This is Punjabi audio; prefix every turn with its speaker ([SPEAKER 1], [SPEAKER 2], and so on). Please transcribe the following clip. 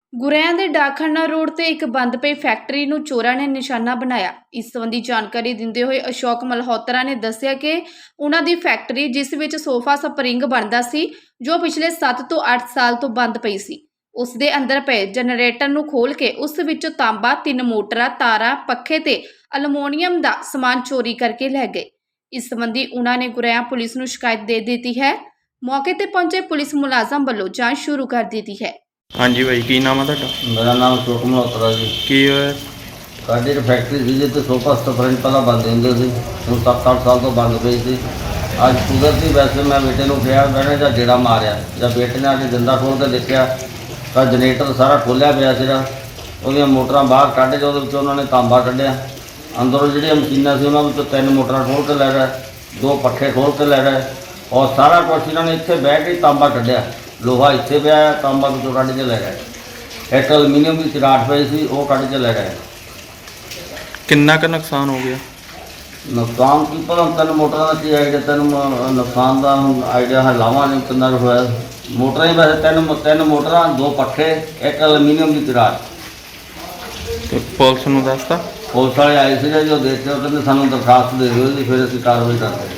[SPEAKER 1] ਗੁਰੇਆਂ ਦੇ ਡਾਕਖਾਨਾ ਰੋਡ ਤੇ ਇੱਕ ਬੰਦ ਪਈ ਫੈਕਟਰੀ ਨੂੰ ਚੋਰਾਂ ਨੇ ਨਿਸ਼ਾਨਾ ਬਣਾਇਆ। ਇਸ ਸੰਬੰਧੀ ਜਾਣਕਾਰੀ ਦਿੰਦੇ ਹੋਏ ਅਸ਼ੋਕ ਮਲਹੋਤਰਾ ਨੇ ਦੱਸਿਆ ਕਿ ਉਹਨਾਂ ਦੀ ਫੈਕਟਰੀ ਜਿਸ ਵਿੱਚ ਸੋਫਾ ਸਪਰਿੰਗ ਬਣਦਾ ਸੀ, ਜੋ ਪਿਛਲੇ 7 ਤੋਂ 8 ਸਾਲ ਤੋਂ ਬੰਦ ਪਈ ਸੀ, ਉਸ ਦੇ ਅੰਦਰ ਪਏ ਜਨਰੇਟਰ ਨੂੰ ਖੋਲ ਕੇ ਉਸ ਵਿੱਚੋਂ ਤਾਂਬਾ, 3 ਮੋਟਰਾਂ, ਤਾਰਾਂ, ਪੱਖੇ ਤੇ ਅਲਮੋਨੀਅਮ ਦਾ ਸਮਾਨ ਚੋਰੀ ਕਰਕੇ ਲੈ ਗਏ। ਇਸ ਸੰਬੰਧੀ ਉਹਨਾਂ ਨੇ ਗੁਰੇਆਂ ਪੁਲਿਸ ਨੂੰ ਸ਼ਿਕਾਇਤ ਦੇ ਦਿੱਤੀ ਹੈ। ਮੌਕੇ ਤੇ ਪਹੁੰਚੇ ਪੁਲਿਸ ਮੁਲਾਜ਼ਮ ਵੱਲੋਂ ਜਾਂਚ ਸ਼ੁਰੂ ਕਰ ਦਿੱਤੀ ਹੈ।
[SPEAKER 2] हाँ जी भाई, की नाम है ਤੁਹਾਡਾ?
[SPEAKER 3] मेरा नाम अशोक मल्होत्रा जी।
[SPEAKER 2] ਕੀ ਹੋਇਆ?
[SPEAKER 3] साड़ी एक फैक्ट्री थी जिसे सोफा स्टफरिंग पहला बंद होंगे थे, हम 7-8 साल तो बंद पई थी। अज कुदरती वैसे मैं बेटे को कहा मैंने जब गेड़ा मारिया, जब बेटे ने अगर जिंदा खोल के देखा तो जनरेटर सारा खोलिया पिया सीगा, ਉਹਦੀਆਂ ਮੋਟਰਾਂ ਬਾਹਰ ਕੱਢ ਕੇ ਉਹਦੇ ਵਿੱਚੋਂ ਉਹਨਾਂ ਨੇ ਤਾਂਬਾ ਕੱਢਿਆ। ਅੰਦਰੋਂ ਜਿਹੜੀਆਂ ਮਸ਼ੀਨਾਂ ਸੀ ਉਹਨਾਂ ਵਿੱਚੋਂ 3 ਮੋਟਰਾਂ ਖੋਲ ਕੇ ਲੈ ਗਏ, 2 ਪੱਖੇ ਖੋਲ ਕੇ ਲੈ ਗਏ ਔਰ ਸਾਰਾ ਕੁਛ ਇਹਨਾਂ ਨੇ ਇੱਥੇ ਬਹਿ ਕੇ ਤਾਂਬਾ ਕੱਢਿਆ। ਲੋਹਾ ਇੱਥੇ ਪਿਆ, ਤਾਂਬਾ ਵਿੱਚੋਂ ਕੱਢ ਕੇ ਲੈ ਗਏ। ਇੱਕ ਐਲੂਮੀਨੀਅਮ ਦੀ ਚਰਾਟ ਪਈ ਸੀ, ਉਹ ਕੱਢ ਕੇ ਲੈ ਗਏ।
[SPEAKER 2] ਕਿੰਨਾ ਕੁ ਨੁਕਸਾਨ ਹੋ ਗਿਆ?
[SPEAKER 3] ਨੁਕਸਾਨ ਕੀ ਪਤਾ, 3 ਮੋਟਰਾਂ ਦਾ ਕੀ ਆਈਡੀਆ, ਤੈਨੂੰ ਨੁਕਸਾਨ ਦਾ ਆਈਡੀਆ ਹੈ ਲਾਵਾਂ ਨਹੀਂ ਕਿੰਨਾ ਕੁ ਹੋਇਆ। ਮੋਟਰਾਂ ਹੀ ਵੈਸੇ 3 ਮੋਟਰਾਂ, 2 ਪੱਖੇ, ਇੱਕ ਐਲੂਮੀਨੀਅਮ ਦੀ ਚਰਾਟ।
[SPEAKER 2] ਤੇ ਪੁਲਿਸ ਨੂੰ ਦੱਸਤਾ?
[SPEAKER 3] ਪੁਲਿਸ ਵਾਲੇ ਆਏ ਸੀਗੇ, ਜੋ ਦੇਖੇ ਉਹ ਕਹਿੰਦੇ ਸਾਨੂੰ ਦਰਖਾਸਤ ਦੇ ਦਿਓ ਜੀ, ਫਿਰ ਅਸੀਂ ਕਾਰਵਾਈ ਕਰਦੇ।